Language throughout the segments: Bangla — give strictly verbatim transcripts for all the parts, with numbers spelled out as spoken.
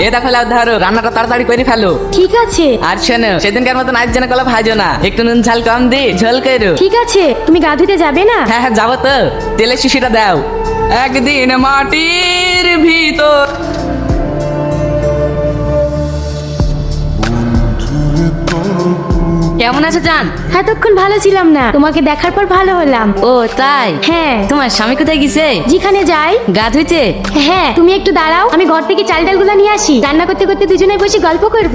এ দেখো লাউ ধরো, রান্নাটা তাড়াতাড়ি করে ফেলো। ঠিক আছে। আর শোনো, সেদিনকার মতন আজ যেন কলা ভাজো না, একটু নুন ঝাল কম দি ঝোল করো। ঠিক আছে। তুমি গা ধুতে যাবে না? হ্যাঁ হ্যাঁ যাবো তো, তেলের শিশিটা দাও। একদিন মাটির ভিতর। কেমন আছো জান? এতক্ষণ ভালো ছিলাম না, তোমাকে দেখার পর ভালো হলাম। ও তাই? হ্যাঁ। তোমার স্বামী কোথায় গেছে? যেখানে যাই। গা ধুইতে? হ্যাঁ, তুমি একটু দাঁড়াও, আমি ঘর থেকে চাল ডাল গুলা নিয়ে আসি। রান্না করতে করতে দুজনে বসে গল্প করব।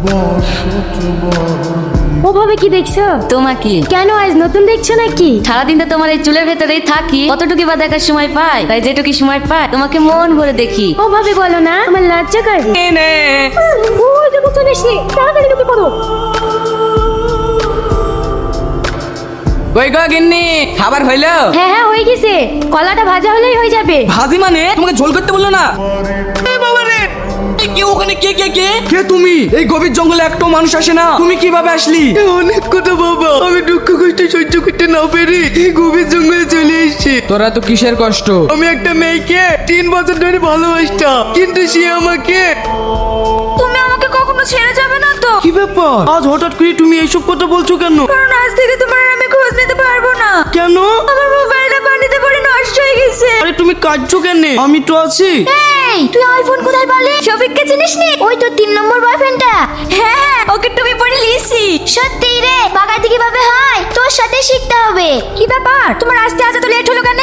ওভাবে কি দেখছো? তোমাকে কেন আজ নতুন দেখছো নাকি? সারাদিন তো তোমার এই চুলের ভেতরেই থাকি, কতটুকু বা দেখার সময় পাই? তাই যেটুকু সময় পাই তোমাকে মন ভরে দেখি। ওভাবে বলো না, আমার লজ্জা করে। এনে ওই দেখো চলে এসে, তাড়াতাড়ি ঢুকে পড়ো। কই গো গিন্নি, খাবার হইলো? হ্যাঁ হ্যাঁ হয়ে গেছে, কলাটা ভাজা হলেই হয়ে যাবে। ভাজি মানে তোমাকে ঝোল করতে বললো না? এ বাবা রে, এ কে ওখানে? কে কে কে কে তুমি? এই গভীর জঙ্গলে একটাও মানুষ আসে না, তুমি কিভাবে আসলি? অনেক কথা বাবা, আমি দুঃখ কষ্ট সহ্য করতে না পেরে এই গভীর জঙ্গলে চলে এসেছি। তোরা তো কিসের কষ্ট? আমি একটা মেয়েকে তিন বছর ধরে ভালোবাসতাম, কিন্তু সে আমাকে। তুমি আমাকে কখনো ছেড়ে যাবে না তো? কি ব্যাপার, আজ হঠাৎ করে তুমি এইসব কথা বলছো কেন? কারণ আজ থেকে তোমার আর আমি খোঁজ নিতে পারবো না। কেন? আমার মোবাইলটা পানিতে পড়ে নষ্ট হয়ে গেছে। আরে তুমি কাঁদছো কেন? আমি তো আছি। এই তুই আইফোন কোথায় পালি? শফিককে চিনিস নি? ওই তো তিন নম্বর বয়ফ্রেন্ডটা। হ্যাঁ, ওকে তুমি পরে লিয়েছি। সত্যি রে, বাগাইতে কিভাবে হয় তোর সাথে শিখতে হবে। কি ব্যাপার, তোমার আসতে আসতে তো লেট হলো কেন?